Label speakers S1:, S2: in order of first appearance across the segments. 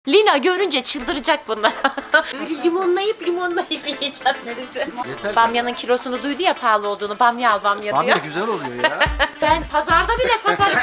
S1: Lina görünce çıldıracak bunlar. Böyle limonlayıp yiyeceğiz sizi.
S2: Yeter.
S1: Bamyanın kilosunu duydu ya pahalı olduğunu. Bamya al bamya
S2: Bamya
S1: diyor.
S2: güzel oluyor ya.
S1: Ben pazarda bile satarım.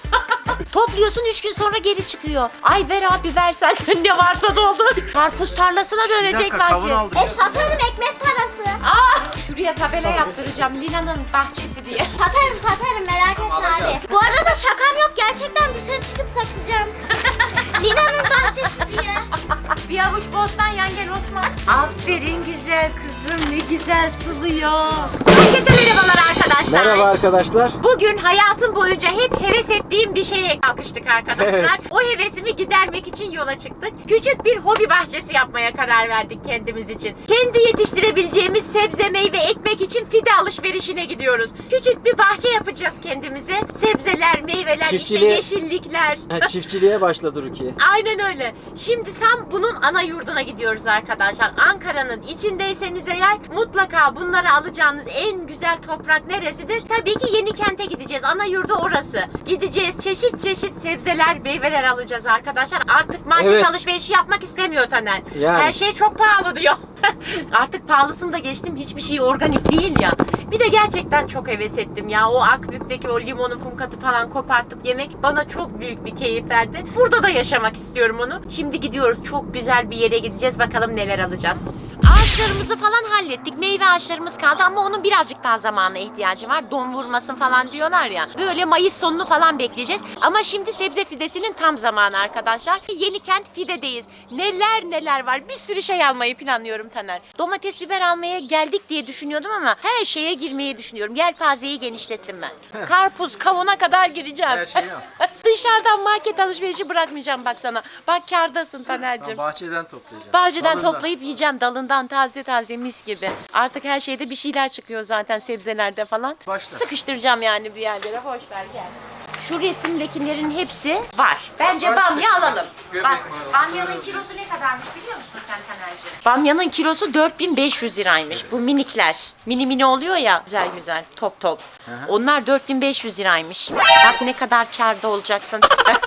S1: Topluyorsun 3 gün sonra geri çıkıyor. Ay ver abi ver sen ne varsa doldur. Karpuz tarlasına dönecek
S2: Bir dakika,
S1: bence.
S2: kavun aldı.
S3: Satarım ekmek parası.
S1: Şuraya tabela yaptıracağım Lina'nın bahçesi diye.
S3: Satarım merak etme abi. Bu arada şakam yok, gerçekten dışarı çıkıp satacağım. Lina'nın bahçesi diye.
S1: Bir avuç bostan yan gel Osman. Aferin güzel kızım ne güzel suluyor. Herkese merhabalar arkadaşlar.
S2: Merhaba arkadaşlar.
S1: Bugün hayatım boyunca hep heves ettiğim bir şeye kalkıştık arkadaşlar.
S2: Evet.
S1: O hevesimi gidermek için yola çıktık. Küçük bir hobi bahçesi yapmaya karar verdik kendimiz için. Kendi yetiştirebileceğimiz sebze, meyve, ekmek için fide alışverişine gidiyoruz. Küçük bir bahçe yapacağız kendimize. Sebzeler, meyveler,
S2: Çiftçiliğe-
S1: işte yeşillikler.
S2: Çiftçiliğe başladı Rukiye.
S1: Aynen öyle. Şimdi tam bunun ana yurduna gidiyoruz arkadaşlar. Ankara'nın içindeyseniz eğer mutlaka bunları alacağınız en güzel toprak neresidir? Tabii ki Yenikent'e gideceğiz. Ana yurdu orası. Gideceğiz çeşit çeşit sebzeler, meyveler alacağız arkadaşlar. Artık market
S2: Evet.
S1: alışverişi yapmak istemiyor Taner.
S2: Yani.
S1: Her şey çok pahalı diyor. Artık pahalısını da geçtim. Hiçbir şey organik değil ya. Bir de gerçekten çok heves ettim ya. O Akbük'teki o limonu, fumkatı falan kopartıp yemek bana çok büyük bir keyif verdi. Burada da yaşamak istiyorum onu. Şimdi gidiyoruz. Çok güzel bir yere gideceğiz. Bakalım neler alacağız. Ağaçlarımızı falan hallettik. Meyve ağaçlarımız kaldı ama onun birazcık daha zamana ihtiyacı var. Don vurmasın falan diyorlar ya. Böyle Mayıs sonunu falan bekleyeceğiz. Ama şimdi sebze fidesinin tam zamanı arkadaşlar. Yenikent Fide'deyiz. Neler neler var. Bir sürü şey almayı planlıyorum Taner. Domates, biber almaya geldik diye düşünüyordum ama her şeye girmeyi düşünüyorum. Yelpazeyi genişlettim ben. Karpuz, kavuna kadar gireceğim.
S2: Her şeyi yap.
S1: Dışarıdan market alışverişi bırakmayacağım bak sana. Bak kârdasın Taner'cim.
S2: Bahçeden toplayacağım.
S1: Bahçeden
S2: Dalından.
S1: toplayıp yiyeceğim dalından taze taze mis gibi. Artık her şeyde bir şeyler çıkıyor zaten sebzelerde falan.
S2: Başla.
S1: Sıkıştıracağım yani bir yerlere boş ver gel. Şu resimdekilerin hepsi var. Bence
S2: Var,
S1: bamya alalım.
S2: göbek
S1: Bak
S2: var.
S1: bamyanın kilosu ne kadarmış biliyor musun sen Taner'cim? Bamyanın kilosu 4500 liraymış. Bu minikler. Mini mini oluyor ya güzel güzel top top. Onlar 4500 liraymış. Bak ne kadar kârda olacaksın.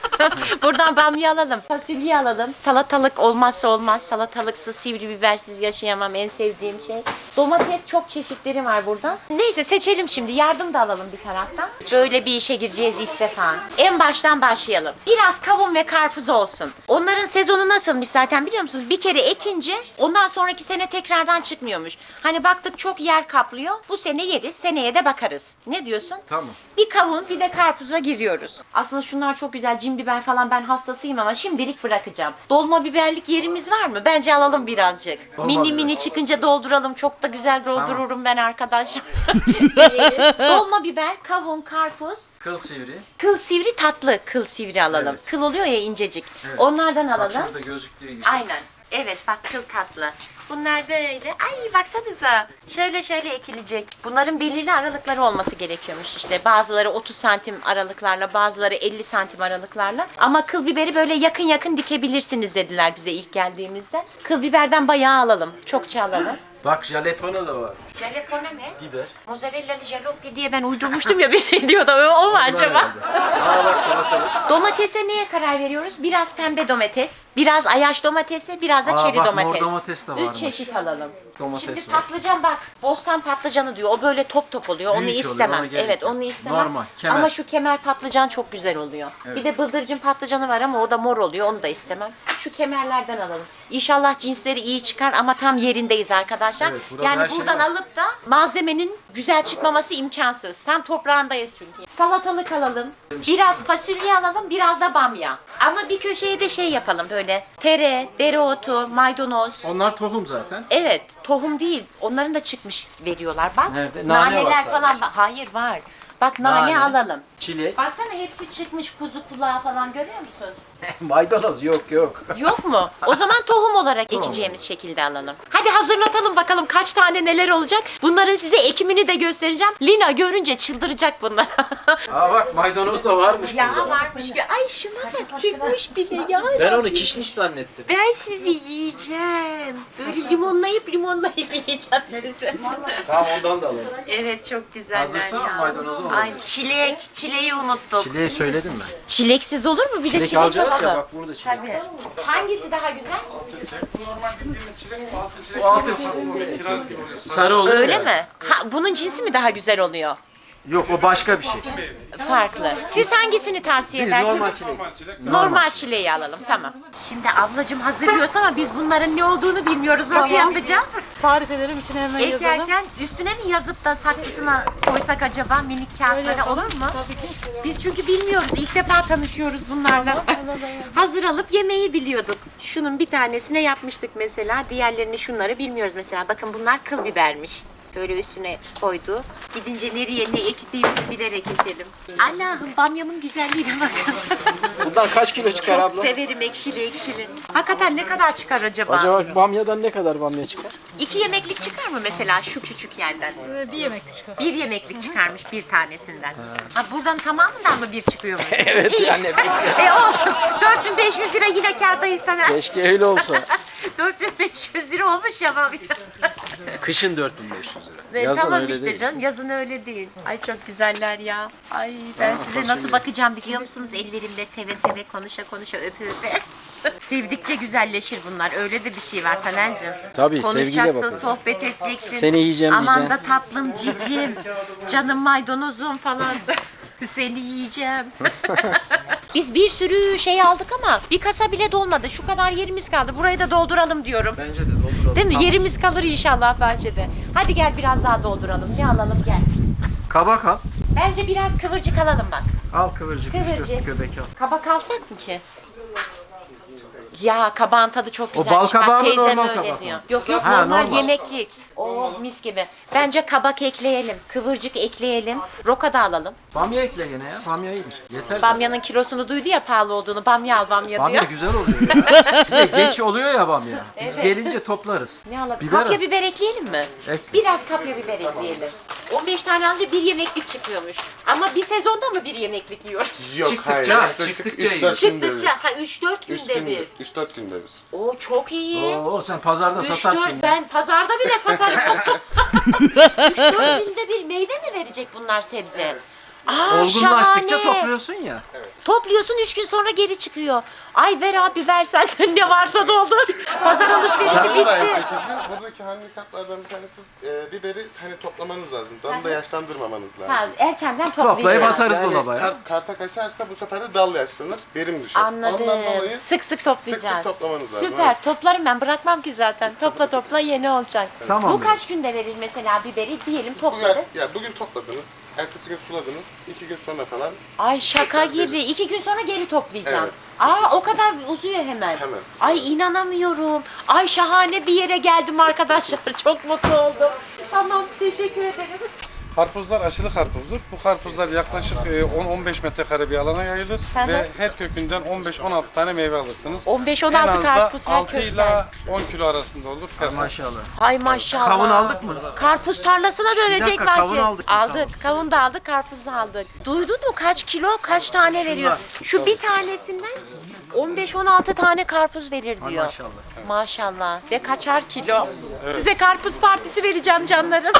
S1: Buradan bamya alalım. Fasulye alalım. Salatalık olmazsa olmaz. Salatalıksız, sivri bibersiz yaşayamam. En sevdiğim şey. Domates çok çeşitleri var burada. Neyse seçelim şimdi. Yardım da alalım bir taraftan. Böyle bir işe gireceğiz ilk defa. En baştan başlayalım. Biraz kavun ve karpuz olsun. Onların sezonu nasılmış zaten biliyor musunuz? Bir kere ekince ondan sonraki sene tekrardan çıkmıyormuş. Hani baktık çok yer kaplıyor. Bu sene yeriz. Seneye de bakarız. Ne diyorsun?
S2: Tamam.
S1: Bir kavun bir de karpuza giriyoruz. Aslında şunlar çok güzel. Cin biber falan ben hastasıyım ama şimdilik bırakacağım. Dolma biberlik yerimiz var mı? Bence alalım birazcık.
S2: Dolma
S1: Mini
S2: biber.
S1: mini çıkınca dolduralım. Çok da güzel doldururum ben arkadaşlar. Dolma biber, kavun, karpuz,
S2: Kıl sivri.
S1: kıl sivri tatlı kıl sivri alalım.
S2: Evet.
S1: Kıl oluyor ya incecik.
S2: Evet.
S1: Onlardan
S2: Bak
S1: alalım.
S2: şurada gözüktüğü gibi.
S1: Aynen. Evet bak kıl tatlı. Bunlar böyle. Ay baksanıza. Şöyle şöyle ekilecek. Bunların belirli aralıkları olması gerekiyormuş işte. Bazıları 30 santim aralıklarla, bazıları 50 santim aralıklarla. Ama kıl biberi böyle yakın yakın dikebilirsiniz dediler bize ilk geldiğimizde. Kıl biberden bayağı alalım. Çokça alalım.
S2: Bak jalapeno da var.
S1: Jalapeno ne?
S2: Biber.
S1: Mozzarella jalapeno diye ben uydurmuştum ya bir diyordu. O mu acaba?
S2: Aa bak salatalık.
S1: Domatese neye karar veriyoruz? Biraz pembe domates, biraz ayaş domatesi, biraz da
S2: Aa,
S1: çeri
S2: bak, mor
S1: domates.
S2: domates de
S1: 3
S2: varmış.
S1: çeşit alalım.
S2: Domates
S1: Şimdi
S2: var.
S1: patlıcan bak, bostan patlıcanı diyor. O böyle top top oluyor. Onu
S2: Büyük oluyor,
S1: istemem.
S2: ona gerek
S1: Evet,
S2: yok.
S1: onu istemem.
S2: Normal, kemer.
S1: Ama şu kemer patlıcan çok güzel oluyor.
S2: Evet.
S1: Bir de bıldırcın patlıcanı var ama o da mor oluyor. Onu da istemem. Şu kemerlerden alalım. İnşallah cinsleri iyi çıkar ama tam yerindeyiz arkadaşlar.
S2: Evet, burada
S1: yani
S2: her şey
S1: buradan
S2: var.
S1: alıp da malzemenin güzel çıkmaması imkansız. Tam toprağındayız çünkü. Salatalık alalım. Biraz fasulye alalım, biraz da bamya. Ama bir köşeye de şey yapalım böyle. Tere, dereotu, maydanoz.
S2: Onlar tohum zaten.
S1: Evet, tohum değil. Onların da çıkmış veriyorlar bak.
S2: Nerede? Nane var
S1: Naneler
S2: sadece.
S1: falan var. Hayır var. Bak nane alalım.
S2: Çilek.
S1: Baksana hepsi çıkmış kuzu kulağı falan görüyor musun?
S2: Maydanoz yok.
S1: Yok mu? O zaman tohum olarak ekeceğimiz şekilde alalım. Hadi hazırlatalım bakalım kaç tane neler olacak. Bunların size ekimini de göstereceğim. Lina görünce çıldıracak bunlar.
S2: Aa bak maydanoz da varmış
S1: Ya
S2: burada.
S1: varmış. Ay şuna bak çıkmış bile ya.
S2: Ben onu kişniş zannettim.
S1: Ben sizi yiyeceğim. Böyle limonlayıp yiyeceğim sizi.
S2: Tamam ondan da alalım.
S1: Evet çok güzeller
S2: Hazırsan
S1: ya.
S2: maydanozu alalım.
S1: Ay çileği unuttuk.
S2: Çileği söyledim ben.
S1: Çileksiz olur mu? Bir de
S2: Çilek
S1: çilek
S2: alacağız ya
S1: Pahalı.
S2: bak burada çilek.
S1: Tabii. Hangisi daha güzel?
S2: Bu altın çilek. Sarı olur
S1: Öyle
S2: ya.
S1: mi? Ha, bunun cinsi mi daha güzel oluyor?
S2: Yok o başka bir şey.
S1: Farklı. Siz hangisini tavsiye
S2: Biz
S1: edersiniz?
S2: normal çilek.
S1: Normal çileği alalım, tamam. Şimdi ablacığım hazırlıyoruz ama biz bunların ne olduğunu bilmiyoruz. Nasıl yapacağız?
S4: Tarif ederim, içine hemen yazalım.
S1: Ekerken üstüne mi yazıp da saksısına koysak acaba minik kağıtlara olur mu?
S4: Tabii ki.
S1: Biz çünkü bilmiyoruz. İlk defa tanışıyoruz bunlarla. Hazır alıp yemeği biliyorduk. Şunun bir tanesine yapmıştık mesela. Diğerlerini şunları bilmiyoruz mesela. Bakın bunlar kıl bibermiş. Böyle üstüne koydu. Gidince nereye ne ektiğimizi bilerek ekelim. Allah'ım bamyamın güzelliğine bakın.
S2: Bundan kaç kilo çıkar
S1: Çok
S2: abla?
S1: severim ekşili ekşili. Hakikaten ne kadar çıkar acaba?
S2: Acaba bamyadan ne kadar bamya çıkar?
S1: 2 yemeklik çıkar mı mesela şu küçük yerden?
S4: Bir yemeklik çıkar.
S1: 1 yemeklik çıkarmış bir tanesinden. Ha buradan tamamından mı bir çıkıyormuş?
S2: Evet
S1: İyi.
S2: anne.
S1: Olsun. 4500 lira yine kârdayız sana.
S2: Keşke öyle olsa.
S1: 4500 lira olmuş ya bamya.
S2: Kışın 4500 lira.
S1: Ve
S2: Yazın
S1: tamam
S2: öyle
S1: işte
S2: değil.
S1: canım yazın öyle değil. Ay çok güzeller ya. Ay ben size nasıl bakacağım biliyor musunuz? Ellerimle seve seve konuşa konuşa öpe öpe. Sevdikçe güzelleşir bunlar. Öyle de bir şey var Taner'cim.
S2: Tabii, sevgiyle
S1: Konuşacaksın,
S2: bakın.
S1: sohbet edeceksin.
S2: Seni yiyeceğim
S1: Aman
S2: diyeceksin.
S1: da tatlım cicim, canım maydanozum falan. Seni yiyeceğim. Biz bir sürü şey aldık ama bir kasa bile dolmadı. Şu kadar yerimiz kaldı. Burayı da dolduralım diyorum.
S2: Bence de dolduralım.
S1: Değil mi? Yerimiz kalır inşallah bahçede. Hadi gel biraz daha dolduralım. Ne alalım gel.
S2: Kabak al.
S1: Bence biraz kıvırcık alalım bak.
S2: Al kıvırcık.
S1: Kıvırcık.
S2: Işte, göbek al.
S1: Kabak alsak mı ki? Ya kabağın tadı çok
S2: O
S1: güzelmiş.
S2: bal kabağı
S1: Bak
S2: mı,
S1: teyzem
S2: normal
S1: öyle
S2: kabak mı?
S1: diyor. Yok yok
S2: Ha,
S1: normal
S2: normal.
S1: yemeklik. Oh mis gibi. Bence kabak ekleyelim. Kıvırcık ekleyelim. Roka da alalım.
S2: Bamya ekle yine ya. Bamya iyidir. Yeter zaten.
S1: Bamyanın kilosunu duydu ya pahalı olduğunu. Bamya al bamya
S2: Bamya
S1: diyor.
S2: güzel oluyor ya. Bir de geç oluyor ya bamya. Biz
S1: Evet.
S2: gelince toplarız.
S1: Ne alalım?
S2: Biber
S1: Kapya
S2: al.
S1: biber ekleyelim mi?
S2: Ek.
S1: Biraz kapya biber ekleyelim. 15 tane alınca bir yemeklik çıkıyormuş. Ama bir sezonda mı bir yemeklik yiyoruz?
S5: Yok
S2: Çıktıkça,
S5: hayır. Yaklaşık
S2: çıktıkça
S5: 3-4 günde bir.
S1: Çıktıkça. Ha 3-4 günde bir.
S5: 3-4 günde bir.
S1: Oo çok iyi.
S2: Oo sen pazarda
S1: 3-4
S2: satarsın.
S1: ben pazarda bile satarım. 3-4 günde bir meyve mi verecek bunlar sebze? Aa,
S2: Olgunlaştıkça
S1: şahane.
S2: topluyorsun ya.
S1: Topluyorsun 3 gün sonra geri çıkıyor. Ay ver abi ver sen ne varsa doldur. Pazar alışverişi
S5: Canlı da aynı
S1: bitti.
S5: şekilde. Buradaki handikaplardan bir tanesi biberi hani toplamanız lazım. Dalını da yaşlandırmamanız lazım.
S1: Ha, erkenden
S2: Toplayıp
S1: toplayacağız.
S2: atarız
S5: Yani
S2: dolaba.
S5: karta kaçarsa bu sefer de dal yaşlanır, verim düşer.
S1: Anladım.
S5: Ondan dolayı
S1: Sık sık toplayacağız.
S5: sık sık toplamanız lazım.
S1: Süper.
S5: evet.
S1: Toplarım ben. Bırakmam ki zaten. Topla yeni olacak.
S2: Tamam.
S1: Bu kaç günde verir mesela biberi? Diyelim
S5: Bugün,
S1: topladık.
S5: bugün topladınız, ertesi gün suladınız, 2 gün sonra falan.
S1: Ay şaka
S5: Tekrar
S1: gibi. 2 gün sonra geri toplayacağım.
S5: Evet.
S1: Aa o kadar uzuyor hemen.
S5: Hemen.
S1: Ay inanamıyorum. Ay şahane bir yere geldim arkadaşlar. Çok mutlu oldum. Tamam teşekkür ederim.
S6: Karpuzlar aşılı karpuzdur. Bu karpuzlar yaklaşık 10-15 metrekare bir alana yayılır
S1: Hı hı.
S6: ve her kökünden 15-16 tane meyve alırsınız.
S1: 15-16
S6: En az da
S1: karpuz her
S6: 6
S1: kökten.
S6: ile 10 kilo arasında olur. her
S2: Maşallah.
S1: Ay maşallah.
S2: Kavun aldık mı?
S1: Karpuz tarlasına dönecek
S2: dakika,
S1: bahçe.
S2: kavun aldık mı? Tamam.
S1: Aldık. Kavun da aldık, karpuz da aldık. Duydun mu kaç kilo, kaç tane veriyor? Şu bir tanesinden 15-16 tane karpuz verir diyor.
S2: maşallah.
S1: Maşallah. Ve kaçar kilo. Size karpuz partisi vereceğim canlarım.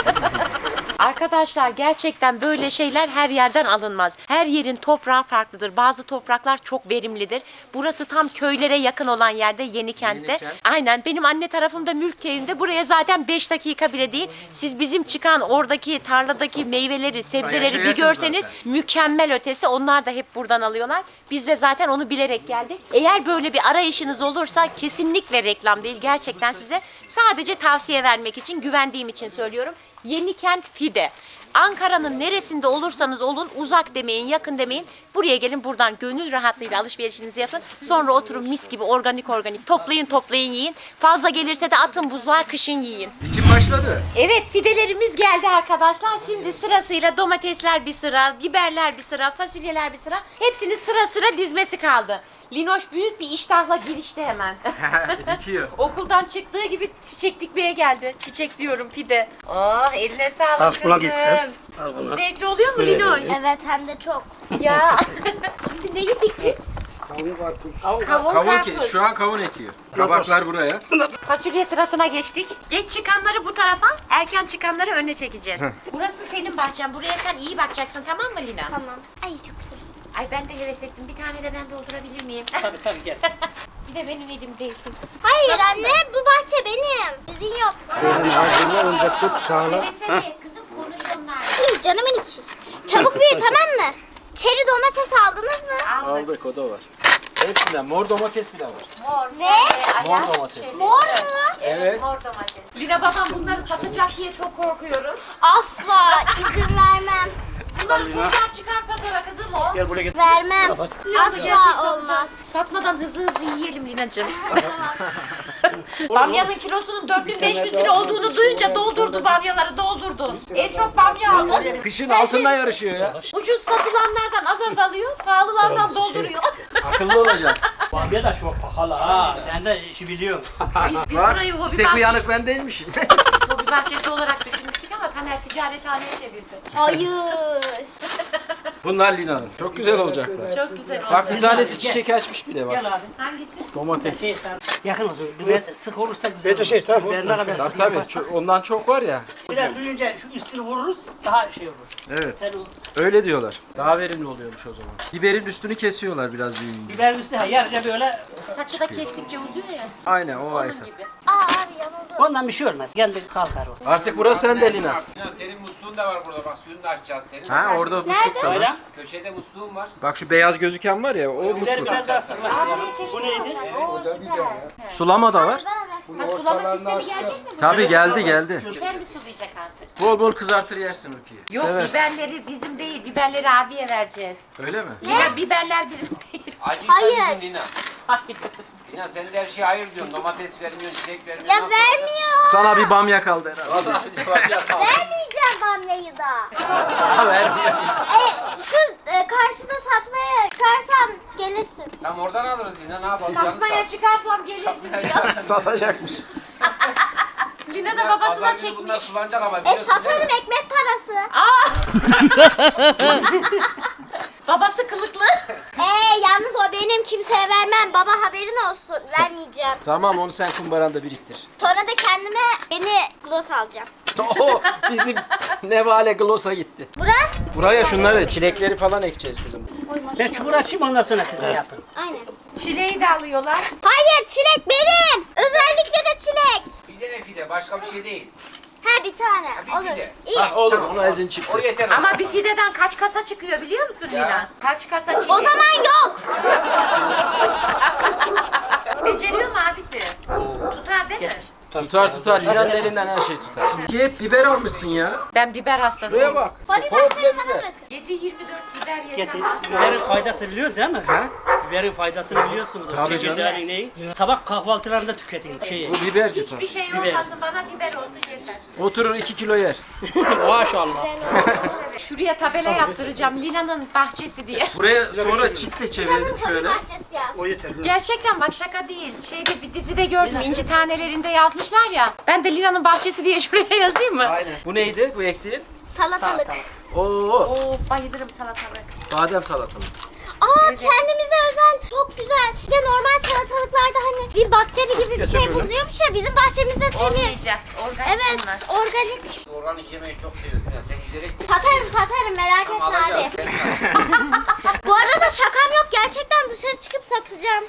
S1: Arkadaşlar gerçekten böyle şeyler her yerden alınmaz. Her yerin toprağı farklıdır. Bazı topraklar çok verimlidir. Burası tam köylere yakın olan yerde Yenikent'te.
S2: Yenikent.
S1: Aynen benim anne tarafımda Mülkköy'ünde. Buraya zaten 5 dakika bile değil. Siz bizim çıkan oradaki tarladaki meyveleri, sebzeleri bir
S2: yakın
S1: görseniz
S2: zaten.
S1: mükemmel ötesi. Onlar da hep buradan alıyorlar. Biz de zaten onu bilerek geldik. Eğer böyle bir arayışınız olursa kesinlikle reklam değil. Gerçekten size sadece tavsiye vermek için, güvendiğim için söylüyorum. Yenikent Fide. Ankara'nın neresinde olursanız olun uzak demeyin, yakın demeyin. Buraya gelin buradan gönül rahatlığıyla alışverişinizi yapın. Sonra oturun mis gibi organik toplayın yiyin. Fazla gelirse de atın buzluğa kışın yiyin.
S2: Dikim başladı.
S1: Evet fidelerimiz geldi arkadaşlar. Şimdi sırasıyla domatesler bir sıra, biberler bir sıra, fasulyeler bir sıra. Hepsini sıra sıra dizmesi kaldı. Linoş büyük bir iştahla girişti hemen.
S2: Dikiyor.
S1: Okuldan çıktığı gibi çiçek dikmeye geldi. Çiçek diyorum pide. Oh eline sağlık
S7: Al buna
S1: kızım.
S7: gitsin. Al buna.
S1: Zevkli oluyor mu Linoş?
S3: Evet hem de çok.
S1: Ya. Şimdi neyi diktik?
S7: Kavun karpuz.
S1: Kavun karpuz.
S2: Şu an kavun ekiyor. Kabaklar buraya.
S1: Fasulye sırasına geçtik. Geç çıkanları bu tarafa, erken çıkanları öne çekeceğiz. Burası senin bahçen. Buraya sen iyi bakacaksın tamam mı Lina?
S3: Tamam. Ay çok sevindim.
S1: Ay ben de heves ettim. Bir tane de ben doldurabilir miyim?
S2: Tabii gel.
S1: Bir de benim elimdeysin.
S3: Hayır anne bu bahçe benim. Sizin yok.
S7: Benim ağzımı önce tut sağla.
S1: Söylesene kızım konuş onlar.
S3: İyi canımın içi. Çabuk büyü tamam mı? Çeri domates aldınız mı?
S2: Aldık o da var. Hepsinden mor domates bile var.
S1: Mor.
S3: Ne?
S2: Mor domates.
S3: Mor mu?
S2: Evet.
S1: Mor domates. Lina babam bunları satacak diye çok korkuyorum.
S3: Asla izin vermem.
S1: Bunları buradan çıkar pazara kızım o.
S7: Gel buraya git.
S3: Vermem. Asla olmaz.
S1: Satmadan hızlı yiyelim Lina'cığım. Bamyanın kilosunun 4500 lira olduğunu duyunca doldurdu bamyaları doldurdu. En çok bamya aldı.
S2: Kışın altından yarışıyor ya.
S1: Ucuz satılanlardan az alıyor, pahalılardan dolduruyor.
S2: Akıllı olacaksın.
S8: Bamya da çok pahalı ha. Sen de işi biliyorsun.
S1: Biz
S2: Bak,
S1: burayı hobi
S2: tek
S1: bahçesi,
S2: uyanık ben değilmişim.
S1: hobi bahçesi olarak düşünmüştük ama Taner ticarethaneye çevirdi.
S3: Hayır.
S2: Bunlar Lina'nın. Çok güzel olacaklar.
S1: Çok güzel oldu.
S2: Bak bir tanesi çiçek açmış bile bak.
S8: Gel abi.
S1: Hangisi?
S2: Domates.
S8: Sen yakın olsun. Biber sık olursa güzel
S7: Bence şey, tamam.
S8: Biber ne kadar
S2: Tabii
S8: sık
S2: tabii.
S8: yaparsan.
S2: Ondan çok var ya.
S8: Biraz duyunca şu üstünü vururuz daha şey olur.
S2: Evet.
S8: Sen o
S2: Öyle diyorlar. Daha verimli oluyormuş o zaman. Biberin üstünü kesiyorlar biraz büyüyünce.
S8: biberin üstüne ha, yarıca böyle
S1: Saçı da kestikçe uzuyor ya.
S2: Aynen o
S1: Onun
S2: Aysa.
S1: gibi.
S3: Aa abi yanıldı.
S8: ondan bir şey olmaz. Kendi kalkar o.
S2: Artık burası sende Lina.
S9: Senin musluğun da var burada bak suyunu da açacağız senin.
S2: Ha orada musluk da var.
S8: Öyle.
S9: Köşede musluğun var.
S2: Bak şu beyaz gözüken var ya o
S8: Biberi
S2: musluk.
S8: biraz daha sıklaştıralım. Bu neydi?
S2: Sulama da var.
S1: Ha, sulama sistemi gelecek mi? bu?
S2: Tabii geldi.
S1: Kendi sulayacak artık.
S2: Bol bol kızartır yersin Rukiye.
S1: Yok
S2: Seversin.
S1: biberleri bizim değil, biberleri abiye vereceğiz.
S2: Öyle mi?
S1: Yine biberler bizim değil.
S9: Acıysa
S3: Hayır.
S9: bizim Lina.
S1: Hayır.
S9: Lina sen de her şeye hayır diyorsun. Domates vermiyorsun, çilek vermiyorsun.
S3: Ya vermiyor.
S2: Sana bir bamya kaldı herhalde.
S3: Vermeyeceğim bamyayı da.
S2: Vermiyor.
S3: Şu karşıda satmaya çıkarsam gelirsin.
S9: Tam oradan alırız Lina ne yapalım?
S1: Satmaya çıkarsam gelirsin diyor.
S2: Satacakmış.
S1: Lina da babasına çekmiş.
S9: Bunlar sulanacak ama biliyorsun değil mi?
S3: Satarım ekmek parası.
S1: Babası kılıklı.
S3: Yalnız o benim kimseye vermem. Baba haberin olsun. Vermeyeceğim.
S2: Tamam onu sen kumbaranda biriktir.
S3: Sonra da kendime yeni gloss alacağım.
S2: Oo, bizim Nevale Gloss'a gitti.
S3: Burak?
S2: Buraya şunları çilekleri falan ekeceğiz kızım.
S8: Ben çukur açayım ondan sonra siz yapın.
S3: Aynen.
S1: Çileği de alıyorlar.
S3: Hayır çilek benim. Özellikle de çilek.
S9: Fide ne fide başka bir şey değil.
S3: Ha bir tane.
S9: bir
S3: Olur.
S9: fide.
S3: İyi.
S2: Ha, olur ona izin çıktı.
S9: O yeter.
S1: Ama bir fideden kaç kasa çıkıyor biliyor musun Lina? Kaç kasa çıkıyor?
S3: O zaman yok.
S1: Beceriyor mu abisi? Tutar değil mi?
S2: Tutar. Lina'nın elinden her şey tutar. Ki hep biber almışsın ya.
S1: Ben biber
S2: Buraya
S1: hastasıyım.
S2: bak.
S3: Hadi
S2: Komple
S3: bahçemi bana
S2: biber.
S3: bırakın.
S1: 7-24 biber
S8: Getir.
S1: yesem.
S8: Biberin faydası biliyorsun değil mi?
S2: Ha?
S8: Biberin faydasını biliyorsunuz.
S2: Tabii
S8: Çekirdeğinin neyi? Sabah kahvaltılarında tüketin şeyi.
S2: Bu biberci tabii.
S1: Hiçbir şey
S8: Biber.
S1: olmasın bana biber olsun yeter.
S2: Oturur 2 kilo yer.
S8: Maşallah.
S1: Şuraya tabela yaptıracağım Lina'nın bahçesi diye.
S2: Buraya sonra çitle çevirelim
S3: Hobi
S2: şöyle.
S3: bahçesi yaz.
S7: O yeter.
S1: Gerçekten bak şaka değil. Şeyde bir dizide gördüm İnci Tanelerinde yazmışlar ya. Ben de Lina'nın bahçesi diye şuraya yazayım mı?
S2: Aynen. Bu neydi bu ektiğin?
S3: Salatalık.
S2: Oo,
S1: Oo bayılırım salatalık.
S2: badem salatalık.
S3: Aa kendimize özel çok güzel. Bir de normal salatalıklarda hani bir bakteri gibi bir şey bulunuyormuş ya bizim bahçemizde temiz.
S1: Olmayacak. Organik
S3: Evet
S1: bunlar.
S3: organik.
S9: Organik yemeği çok seviyorsun Lina. Sen giderek
S3: Satarım merak etme
S9: alacağız.
S3: abi.
S9: Sen sat.
S3: Bu arada şakam yok gerçekten dışarı çıkıp satacağım.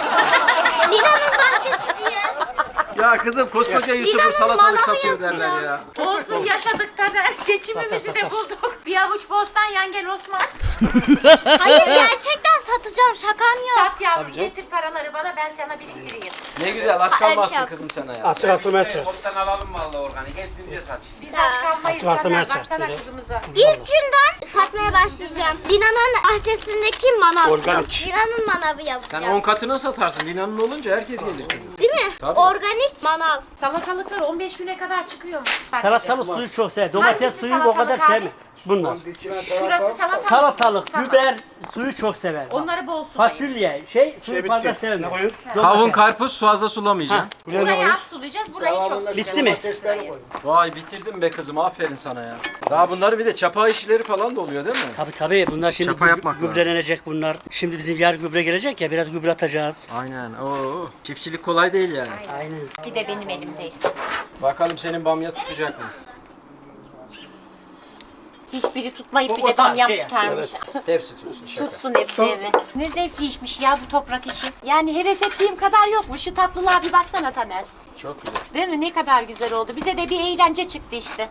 S3: Lina'nın bahçesi diye.
S2: Ya kızım koskoca YouTuber
S3: Lina'nın
S2: salatalık
S3: manavı
S2: satıyor derler
S3: yazacağım.
S2: ya.
S1: Olsun yaşadık Taner. Geçimimizi de bulduk. Bir avuç bostan yan gel Osman.
S3: Hayır gerçekten satacağım şakam yok.
S1: Sat yavrum getir paraları bana ben sana biriktireyim.
S2: Ne güzel aç
S3: Öyle bir şey
S2: kalmazsın
S3: yok.
S2: kızım sen ya.
S7: Açık artırmaya çek.
S9: Toptan alalım vallahi organik. Hepsini bize sat şimdi.
S1: Biz aç kalmayız
S7: Hatırlatmaya
S1: Taner. Baksana
S7: çalıştı.
S1: kızımıza.
S3: İlk günden satmaya başlayacağım. Lina'nın bahçesindeki manav.
S7: Organik.
S3: Lina'nın manavı
S2: Sen
S3: yazacağım.
S2: 10 katına satarsın. Lina'nın olunca herkes gelir kızım.
S3: Değil mi?
S2: Tabii.
S3: Organik manav.
S1: Salatalıklar 15 güne kadar çıkıyor mu?
S8: Salatalık suyu çok sever. Domates
S1: Hangisi
S8: suyu o kadar
S1: salatalık abi?
S8: sevmez. Bunlar.
S1: Şurası salatalık.
S8: Salatalık,
S1: Tamam.
S8: biber suyu çok sever.
S1: Onları bol sulayın.
S8: Fasulye, suyu
S7: Şey
S8: fazla
S7: bitti.
S8: sevmez.
S7: Ne koyun?
S2: Kavun karpuz fazla sulamayacaksın.
S7: Buraya ne
S1: Burayı
S7: koyun?
S1: az sulayacağız, burayı çok sulayacağız.
S8: Bitti mi?
S2: Vay bitirdim be kızım aferin sana ya. Daha bunları bir de çapa işleri falan da oluyor değil mi?
S8: Tabii bunlar şimdi
S2: Çapa yapmak lazım.
S8: gübrelenecek bunlar. Şimdi bizim yer gübre gelecek ya biraz gübre atacağız.
S2: Aynen. Oo. Çiftçilik kolay değil yani.
S8: Aynen.
S1: Bir de benim elimdeyiz.
S2: Bakalım senin bamya tutacak mı?
S1: Hiçbiri tutmayıp bir
S8: O
S1: de
S8: tarz
S1: bamyam
S8: şey yani.
S1: tutarmış.
S2: Hepsi tutsun şaka.
S1: Tutsun hepsi evet. Ne zevkliymiş ya bu toprak işi. Yani heves ettiğim kadar yokmuş. Şu tatlılığa bir baksana Taner.
S2: Çok güzel.
S1: Değil mi? Ne kadar güzel oldu. Bize de bir eğlence çıktı işte.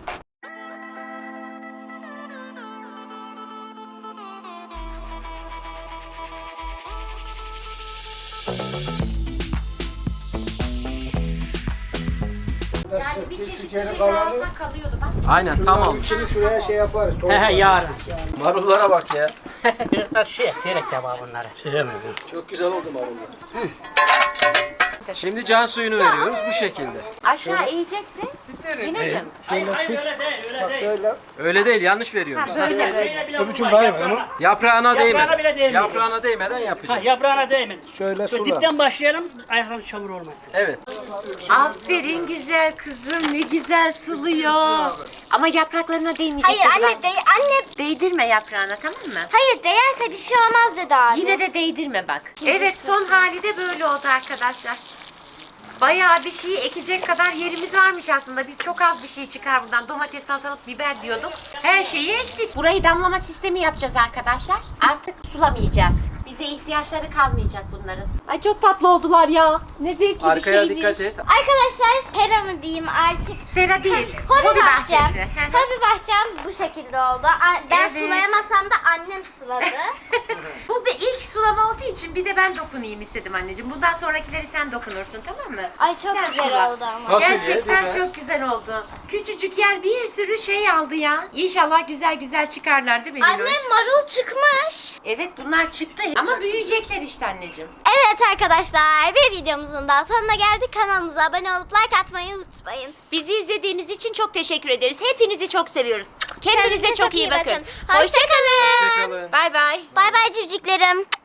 S1: Yani bir çeşit şey daha alsak kalıyordu bak.
S2: Aynen tamam.
S7: Üçünü şuraya şey yaparız.
S8: He yarın.
S2: Marullara bak ya.
S8: Biraz seyrek tabağı bunları.
S2: Çok güzel oldu marullar. Şimdi can suyunu veriyoruz bu şekilde.
S1: Aşağı eğeceksin. Yineciğim.
S8: Hayır öyle değil öyle değil.
S7: Şöyle.
S2: Öyle değil yanlış veriyoruz.
S1: Böyle.
S8: Şeyle bile
S7: Bütün
S8: vurma,
S7: daim var ama.
S2: Yaprağına değmeden.
S8: Yaprağına bile değmiyor.
S2: Yaprağına değmeden
S8: Ha,
S2: yapacağız.
S8: yaprağına değmedi.
S7: Şöyle
S8: Şöyle
S7: sula.
S8: dipten başlayalım ayakların çamur olmasın.
S2: Evet.
S1: Aferin güzel kızım. Ne güzel suluyor. Ama yapraklarına değmeyecek.
S3: Hayır
S1: dedi
S3: anne,
S1: bak.
S3: anne.
S1: Değdirme yaprağına tamam mı?
S3: Hayır değerse bir şey olmaz dedi abi.
S1: Yine de değdirme bak. Evet son hali de böyle oldu arkadaşlar. Bayağı bir şey ekecek kadar yerimiz varmış aslında. Biz çok az bir şey çıkar buradan. Domates, salatalık, biber diyorduk. Her şeyi ektik. Burayı damlama sistemi yapacağız arkadaşlar. Artık sulamayacağız. Bize ihtiyaçları kalmayacak bunların. Ay çok tatlı oldular ya. Ne zevkli bir
S2: Arkaya
S1: şeymiş.
S2: dikkat et.
S3: Arkadaşlar sera mı diyeyim artık.
S1: Sera değil.
S3: Hobi bahçem.
S1: bahçesi. Hı hı.
S3: Hobi bahçem bu şekilde oldu. Ben
S1: Evet.
S3: sulayamasam da annem suladı.
S1: Bu bir ilk sulama olduğu için bir de ben dokunayım istedim anneciğim. Bundan sonrakileri sen dokunursun tamam mı?
S3: Ay çok
S1: Sen
S3: güzel
S1: sula.
S3: oldu ama.
S2: Fasulye,
S1: Gerçekten
S2: biber.
S1: çok güzel oldu. Küçücük yer bir sürü şey aldı ya. İnşallah güzel güzel çıkarlar değil mi Linoş?
S3: Annem marul çıkmış.
S1: Evet bunlar çıktı ama büyüyecekler işte anneciğim.
S3: Evet arkadaşlar bir videomuzun daha sonuna geldik. Kanalımıza abone olup like atmayı unutmayın.
S1: Bizi izlediğiniz için çok teşekkür ederiz. Hepinizi çok seviyoruz. Kendinize çok iyi bakın.
S3: Hoşçakalın.
S2: Hoşçakalın.
S1: Bay bay.
S3: Bay bay civciklerim.